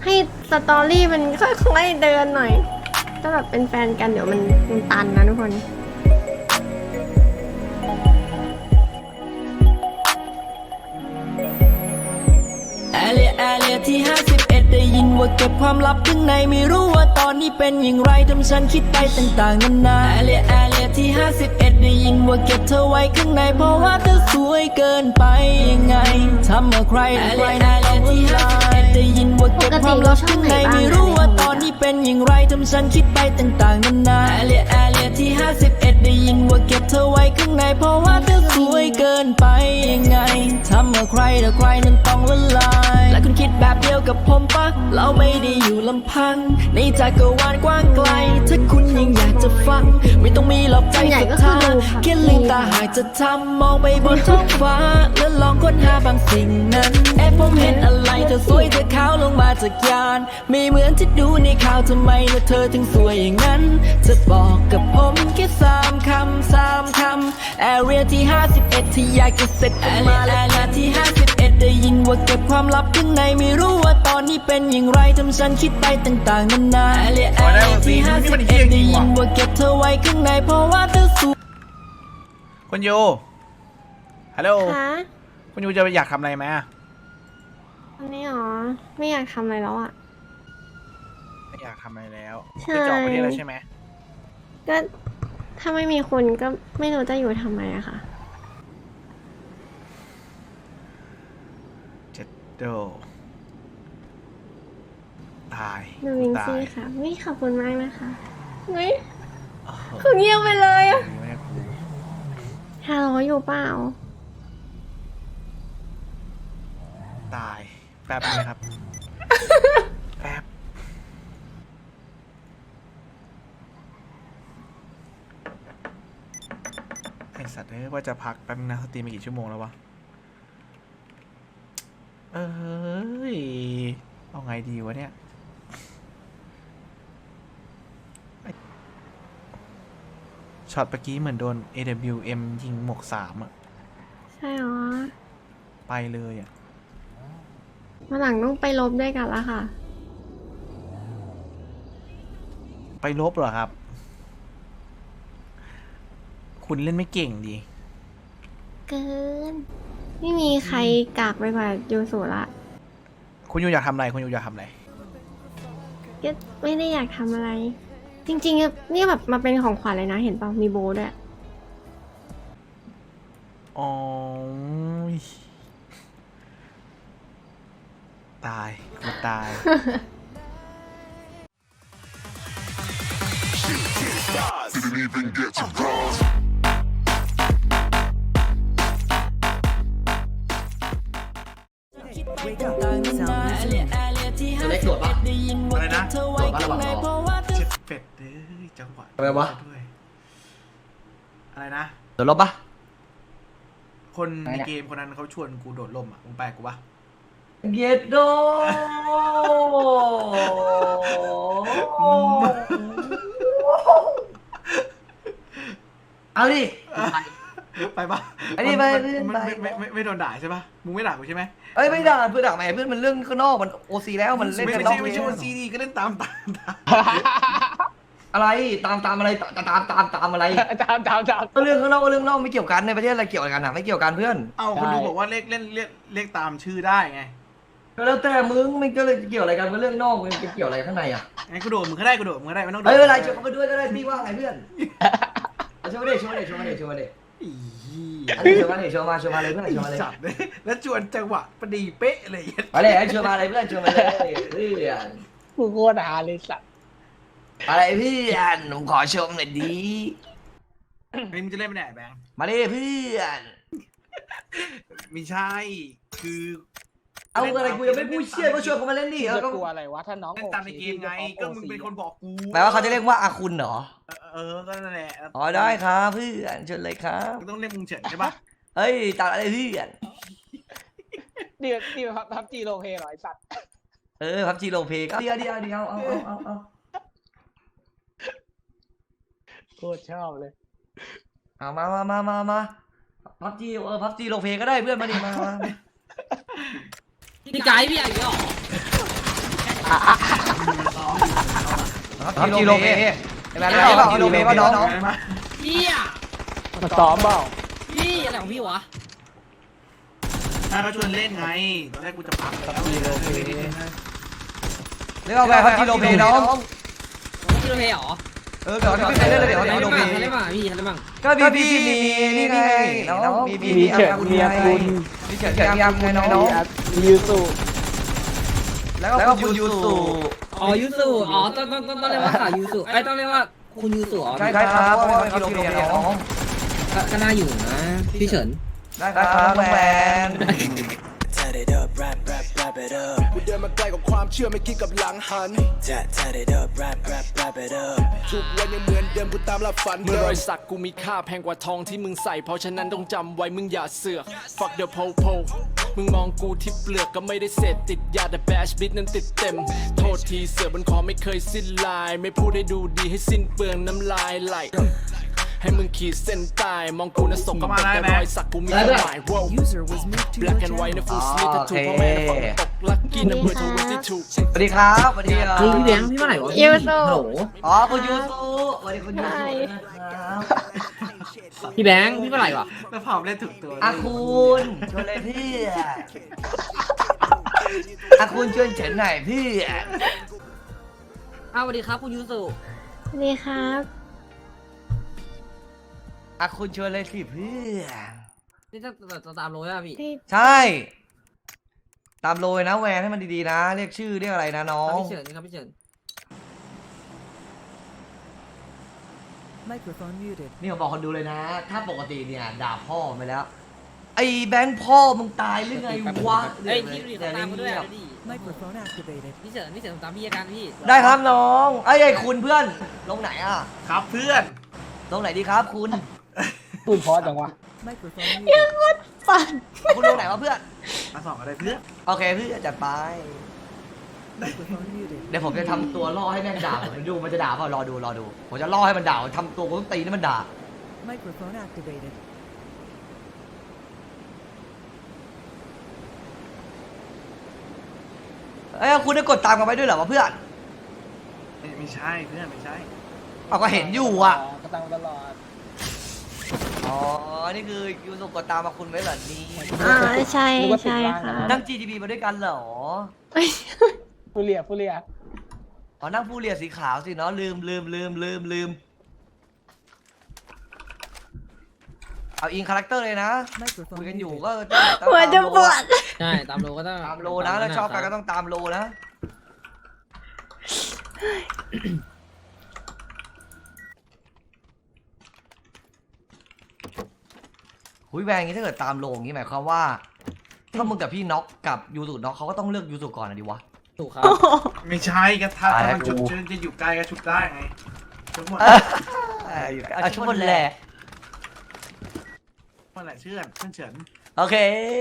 ให้สตอรี่มันค่อยๆเดินหน่อยถ้าแบบเป็นแฟนกันเดี๋ยวมันตันนะทุกคนแอเรียที่51ได้ยินว่าเก็บความลับข้างในไม่รู้ว่าตอนนี้เป็นอย่างไรทำฉันคิดไปต่างๆนานาแอเรียที่51ได้ยินว่าเก็บเธอไว้ข้างในเพราะว่าเธอสวยเกินไปยังไงทำเอาใครในต้องที่51ได้ยินว่าเก็บความลับข้างในไม่รู้ว่าตอนนี้เป็นอย่างไรทำฉันคิดไปต่างๆนานาแอเรียที่51ได้ยินว่าเก็บเธอไว้ข้างในเพราะว่าเธอสวยเกินไปยังไงทำเอาใครนั้นต้องละลายและคุณคิดแบบเดียวกับผมปะเราไม่ได้อยู่ลำพังในจักรวาลกว้างไกลถ้าคุณยังอยากจะฟังไม่ต้องมีหลอกใจศรัทธาแค่ลืมตาหากจะทำมองไปบนท้องฟ้าแล้วลองค้นหาบางสิ่งนั้นผมเห็นอะไรเธอสวยเธอขาวลงมาจากยานไม่เหมือนที่ดูในข่าวทำไมแล้วเธอถึงสวยอย่างนั้นจะบอกกับผมแค่3 คำแอเรียที่51ที่อยากจะเสร็จออกมาแอเรียที่51ได้ยินว่าเก็บความลับข้างในไม่รู้ว่าตอนนี้เป็นอย่างไรทำฉันคิดไปต่างๆนานาแอเรียที่51ได้ยินว่าเก็บเธอไว้ข้างในเพราะว่าเธอสวยคุณยูฮัลโหลคะคุณยูจะอยากทำอะไรไหมตอนนี้หรอไม่อยากทำอะไรแล้วอ่ะไม่อยากทำอะไรแล้วใช่จะออกประเทศแล้วใช่ไหมก็ถ้าไม่มีคุณก็ไม่รู้จะอยู่ทำไมอะค่ะเจ็ดโดตายดูวิงตายซี่ค่ะวิขอบคุณมากนะคะวิโอ้โหคือเงียบไปเลยอะแม่กูฮัลโหลอยู่เปล่าตายแป๊บนึงครับ แป๊บไอสัตว์ว่าจะพักแป๊บนึงนะสตรีมไปกี่ชั่วโมงแล้ววะเอ้ยเอาไงดีวะเนี่ยช็อตเมื่อกี้เหมือนโดน AWM ยิงหมวก3อะใช่หรอไปเลยอะมาหลังต้องไปลบด้วยกันละค่ะไปลบเหรอครับ คุณเล่นไม่เก่งดีเกิน ไม่มีใครกากไปกว่ายูสุละคุณยูอยากทำอะไร คุณยูอยากทำอะไรก็ไม่ได้อยากทำอะไร จริงๆนี่แบบมาเป็นของขวัญเลยนะ เห็นเปล่ามีโบด้วยอ๋อ ตายกูตาย Didn't even get to cross. ตัวเล็กโดดปะอะไรนะโดดปะระหว่างรอเจ็ดเป็ดเด้อจังหวะอะไรวะด้วยอะไรนะโดดลบปะคนในเกมคนนั้นเขาชวนกูโดดร่มอ่ะมึงไปกูปะเย็ดโดเอาดิไปปะไอ้นี่ไปไม่โดนด่าใช่ปะมึงไม่ด่ากูใช่ไหมเอ้ยไม่ด่าเพื่อนด่าแหมเพื่อนมันเรื่องข้างนอกมันโอซีแล้วมันเล่นไม่กันนอกไม่เวใช่รว่าซีดีก็เล่นตามอะไรตามอะไรตามอะไรก็เรื่องข้างนอกก็เรื่องนอกไม่เกี่ยวกันในประเทศอะไรเกี่ยวกันอ่ะไม่เกี่ยวกันเพื่อนเอาคนดูบอกว่าเลขตามชื่อได้ไงก็แล้วแต่มึงมันก็เลยเกี่ยวอะไรกันกับเรื่องนอกมันจะเกี่ยวอะไรข้างในอ่ะงั้นกูโดดมึงก็ได้ไม่ต้องโดดเอ้ยอะไรชวนเขาไปด้วยก็ได้พี่ว่าไงเพื่อนชวนมาดิอีอันนี้ชวนมาเลยเพื่อนชวนมาเลยจัดเลยแล้วชวนจังหวะพอดีเป๊ะเลยมาเลยชวนมาเลยเพื่อนชวนมาเลยเพื่อนกูโคตรหาเลยสัตว์อะไรเพื่อนผมขอชมหน่อยดีเฮ้ยมึงจะเล่นไม่ได้แบงค์มาเลยเพื่อนไม่ใช่คือเอาอะไรกูยังไม่พูดเชี่ยก็ชวนเขามาเล่นดิจะก็กลัวอะไรวะถ้าน้องเล่นตามในเกมไงก็มึงเป็นคนบอกกูแปลว่าเขาจะเรียกว่าอาคุณเหรอก็นั่นแหละอ๋อได้ครับเพื่อนเชิญเลยครับมึงต้องเล่นมึงเฉินใช่ปะเฮ้ยตัดอะไรเพื่อนนี่พับจีโลเพเหรอไอสัตว์พับจีโรเพก็เดี๋ยวเอาโคตรชอบเลยเอามาพับจีโรเพก็ได้เพื่อนมาดิมาพี่ไก่พี่ใหญ่เหรอครับจีโรเพไอ้แมนได้เปล่าจีโรเพป่ะน้องพี่อะมาซ้อมเปล่าพี่อะไรของพี่วะถ้าเขาชวนเล่นไงตอนแรกกูจะพักแล้วเรียกเอาไปครับจีโรเพน้องพี่โรเพเหรอเดี๋ยวไม่เคยเล่นเลยเดี๋ยวจีโรเพทะเลบ้างพี่ทะเลบ้างก็พี่มีนี่ไงน้องมีมีเฉิดเมียคุณมีเฉิดเมียคุณไงน้องมียูสุแล้วก็คุณยูสุอ๋อยูสุอ๋อต้องเรียกว่าข่าวยูสุไอ้ต้องเรียกว่าคุณยูสุอ๋อใช่ครับเพราะว่าเป็นจีโรเพน้องก็น่าอยู่นะพี่เฉินได้ครับน้องแมน Turn it up, rap, rap, rap it up กูเดินมาไกลกับความเชื่อไม่คิดกับหลังหัน Turn it up, rap, rap, rap it up ทุกวันยังเหมือนเดิมกูตามลับฝันเมื่อรอยสักกูมีค่าแพงกว่าทองที่มึงใส่เพราะฉะนั้นต้องจำไว้มึงอย่าเสือก Fuck the po-po มึงมองกูที่เปลือกก็ไม่ได้เสพติดยาแต่แบชบิทนั้นติดเต็ม โทษทีเสือบนคอไม่เคยสิ้นลาย ไม่พูดให้ดูดีให้สิ้นเปลืองน้ำลายไหลให้มึงขีดเส้นใต้มองกูน่ะสกปรกแต่รอยสักกูมีความหมาย Black and white นะ full sleeve tattoo พ่อแม่นะฝนตกลักกี้นะเบอร์22 สวัสดีครับสวัสดีครับพี่แบงค์พี่เมื่อไหร่วะยูสุฮัลโหลอ๋อคุณยูสุสวัสดีคุณยูสุนะครับพี่แบงค์พี่เมื่อไหร่วะแล้วผอมเล่นถูกตัวอาคุณชวนเลยพี่อาคุณชวนเฉินหน่อยพี่อ้าวสวัสดีครับคุณยูสุสวัสดีครับอาคุณชวนเลยสิพี่นี่จะตามโรยอ่ะพี่ที่ใช่ ตามโรยนะแวนให้มันดีๆนะ เรียกชื่อเรียกอะไรนะน้องพี่เฉินครับพี่เฉินนี่ผมบอกคนดูเลยนะ ถ้าปกติเนี่ยด่าพ่อไปแล้ว ไอ้แบงค์พ่อมึงตายหรือไงวะเฮ้ยพี่ดูดิเขาตามมาด้วยอ่ะเดิพี่เฉินผมตามพี่อาการพี่ได้ครับน้องไอ้คุณเพื่อน ลงไหนอ่ะครับเพื่อนลงไหนดีครับคุณพูดเพราะจังวะปั่นคุณลงไหนวะเพื่อนมาสองอะไรเพื่อนโอเคเพื่อนจัดไป เดี๋ยวผมจะทำตัวล่อให้แม่งด่าผมดูมันจะด่าเปล่ารอดูผมจะล่อให้มันด่าทำตัวกูต้องตีให้มันด่า Microphone activated. เอ้ยคุณได้กดตามกันไปด้วยเหรอวะเพื่อนไม่ใช่เพื่อนไม่ใช่เอาก็เห็นอยู่อ่ะก็ตั้งตลอดอ๋อ นี่คือยูสุกดตามมาคุณไว้เหรอนี่ใช่ใช่ค่ะนั่ง GTB มาด้วยกันเหรอฟูเรียอ๋อ นั่งผู้เรียสีขาวสิเนาะลืม เอาอิงคาแรคเตอร์เลยนะ คุยกันอยู่ก็ต้องหัวจะปวดใช่ตามโรก็ต้องตามโลนะแล้วชอบกันก็ต้องตามโลนะ หุยแวงอย่างนี้ถ้าเกิดตามโลอย่างนี้หมายความว่า ถ้ามึงกับพี่น็อกกับยูสุน็อกเขาก็ต้องเลือกยูสุก่อนนะดิวะถูกครับไม่ใช่ก็ถ้าตายแล้วมันชุดกูจะอยู่ใกล้ก็ชุดได้ไงชุดหมดเอาชุดบนแหละเมื่อไหร่เชื่อนเฉินโอเค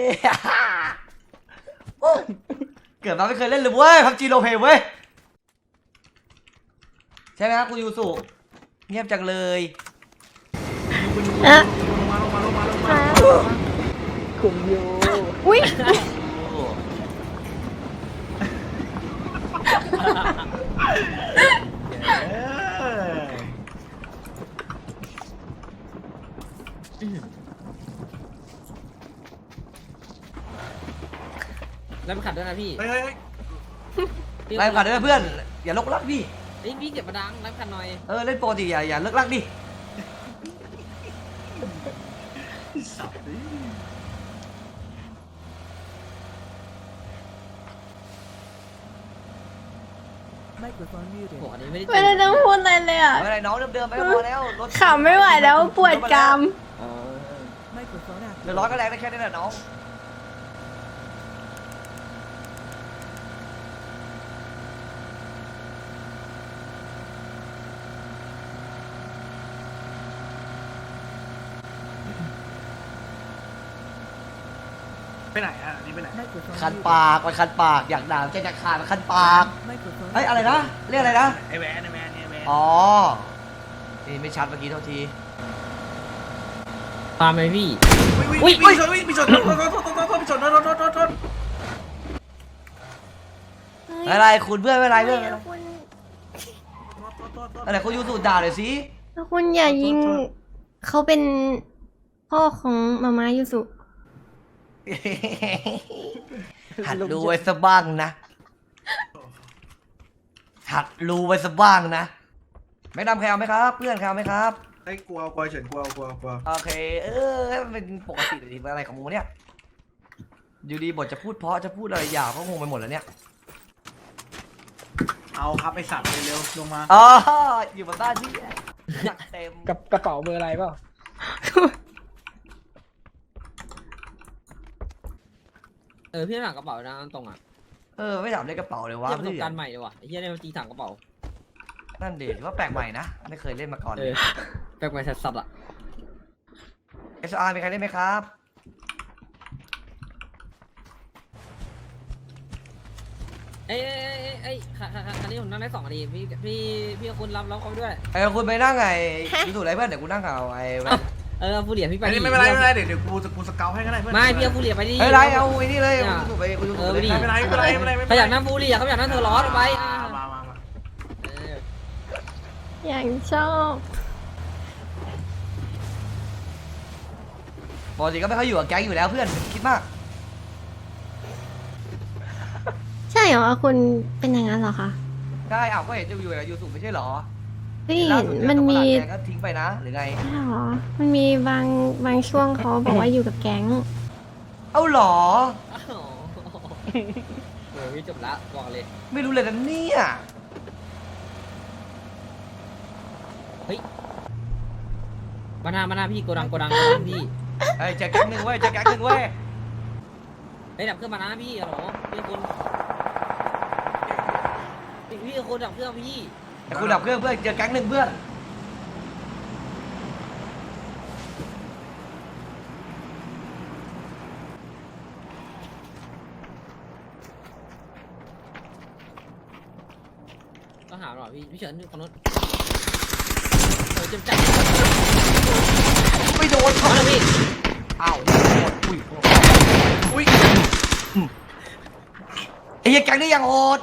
โอ้เกิดมาไม่เคยเล่นเลยเว้ยพับจีโรเพเว้ย ใช่ไหมครับคุณยูสุเงียบจังเลยอะลงมาคุณยูอุ้ยแล้วมันขัดด้วยนะพี่เฮ้ยไล่ผ่านด้วยเพื่อน อย่าลกลักดิเฮ้ยพี่เก็บมาดังแล้วขัดหน่อยเล่นปกติอย่าเลิกลักดิ Microphone โอ้ muted. โหอันนี้ไม่ได้ไม่ได้ต้องพูดอะไรเลยอ่ะไม่เป็นไรน้องเดิมๆไปก็พอแล้วรถขำไม่ไหวแล้วปวดกราม Microphone เดือด activated. ร้อนก็แรงได้แค่นี้แหละน้องไปไหนอ่ะนี่ไปไหน Microphone คัน muted. ปากมันคันปากอยากด่าใจจะขาดมันคันปาก Microphone เฮ้ยอะไรนะ เรียกอะไรนะไอแวนเนี่ยแวนอ๋อ นี่ไม่ชัดเมื่อกี้เท่าทีตามไหมพี่มีชนโทษเฮ้ยไม่เป็นไรคุณเพื่อนไม่เป็นไรเพื่อนแล้วคุณอะไรคุณยูสุด่าเลยสิแล้วคุณอย่ายิงเขาเป็นพ่อของมาม่ายูสุหัดรู้ไว้ซะบ้างนะหัดรู้ไว้ซะบ้างนะไม่ดำใครเอาไหมครับ เพื่อนใครเอาไหมครับไอ้ยกลัวเฉินกลัวโอเค ให้มันเป็นปกติเลยอะไรของมึงเนี่ยอยู่ดีบทจะพูดเพราะจะพูดอะไรหยาบก็งงไปหมดแล้วเนี่ยเอาครับไอสัตว์เร็วๆลงมาอ๋ออยู่บนบ้านที่หนักเต็มกับกระเป๋าเบอร์อะไรเปล่าพี่หนักกระเป๋านะตรงอ่ะไม่ถามเลขกระเป๋าเลยวะเทียบประสบพี่การณ์ใหม่เลยว่ะไอ้เหี้ยได้มาตีถังกระเป๋านั่นเดถือว่าแปลกใหม่นะไม่เคยเล่นมาก่อนเลยแปลกใหม่สัสๆอ่ะ SR มีใครเล่นไหมครับคันนี้ผมนั่งได้2 นาทีพี่คุณรับเขาด้วยคุณไปนั่งไงดูถูกอะไรเพื่อนเดี๋ยวกูนั่งเอาฟูเหลียพี่ไปอันนี้ไม่เป็นไรเดี๋ยวกูสเกลให้ก็ได้เพื่อนไม่พี่เอาฟูเหลียไปดิเฮ้ยไรเอาไอ้นี่เลยกูถูกไปกูถูกไปไม่เป็นไรเขาอยากนั่งฟูเหลียเขาอยากนั่งเธอร้อนไปมาอย่างชอบปกติก็ไม่ค่อยอยู่กับแก๊งอยู่แล้วเพื่อนคิดมากใช่เหรอคุณเป็นอย่างนั้นเหรอคะได้อ้าวก็เห็นจะอยู่กับยูสุไม่ใช่หรอเฮ้ยเห็นมันมีแก๊งก็ทิ้งไปนะหรือไงใช่เหรอมันมีบางช่วงเขาบอกว่าอยู่กับแก๊งเอ้าหรอพี่จบละบอกเลยไม่รู้เลยนะเนี่ยมาหน้าพี่โกดังพี่เฮ้ยเจอแก๊งหนึ่งเว้ยเจอแก๊งหนึ่งเว้ยได้ดับเครื่องมานะพี่เหรอพี่คุณดับเครื่องพี่แต่กูดับเครื่องเพื่อนเจอแก๊งหนึ่งเพื่อนก็หาหน่อยพี่เฉินคนนู้นเจ็บจัดไม่โดนเขามาเลยพี่อ้าวอุ้ยไอ้แก๊งนี่ยังโหด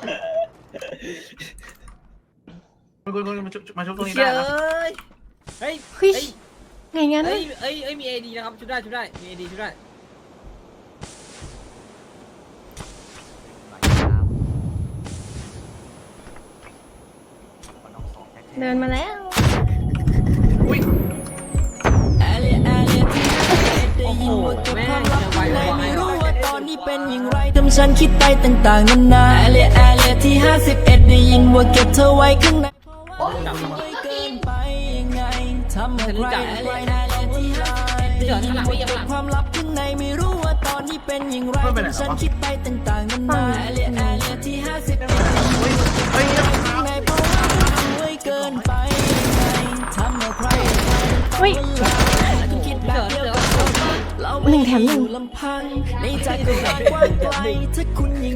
คุณมาชุบตรงนี้เฮ้ได้นะยเฮ้ยเฮ้ยไงงั้นเอ้ยมี AD นะครับชุดได้มี AD ชุดได้เดินมาแล้วโอ้โหแม่เจอไวไม่รู้ว่าตอนนี้เป็นอย่างไรทำฉันคิดไปต่างๆนานาแอเรียที่51ได้ยินว่าเก็บเธอไว้ข้างในเพราะว่ามันไม่เกินไปยังไงทำให้ใครแอเรียที่51ได้ยินว่าเก็บความลับข้างในไม่รู้ว่าตอนนี้เป็นอย่างไรทำฉันคิดไปต่างๆนานาแอเรียที่51ได้ยินว่าเก็บเธอไว้ข้างในเพราะว่ามันไม่เกินไปยังไงทำให้ใครเฮ้ยคิดแบบเดียวกับเรา 1 แถม 1 ลำพังในใจก็กว้างไกลถ้าคุณ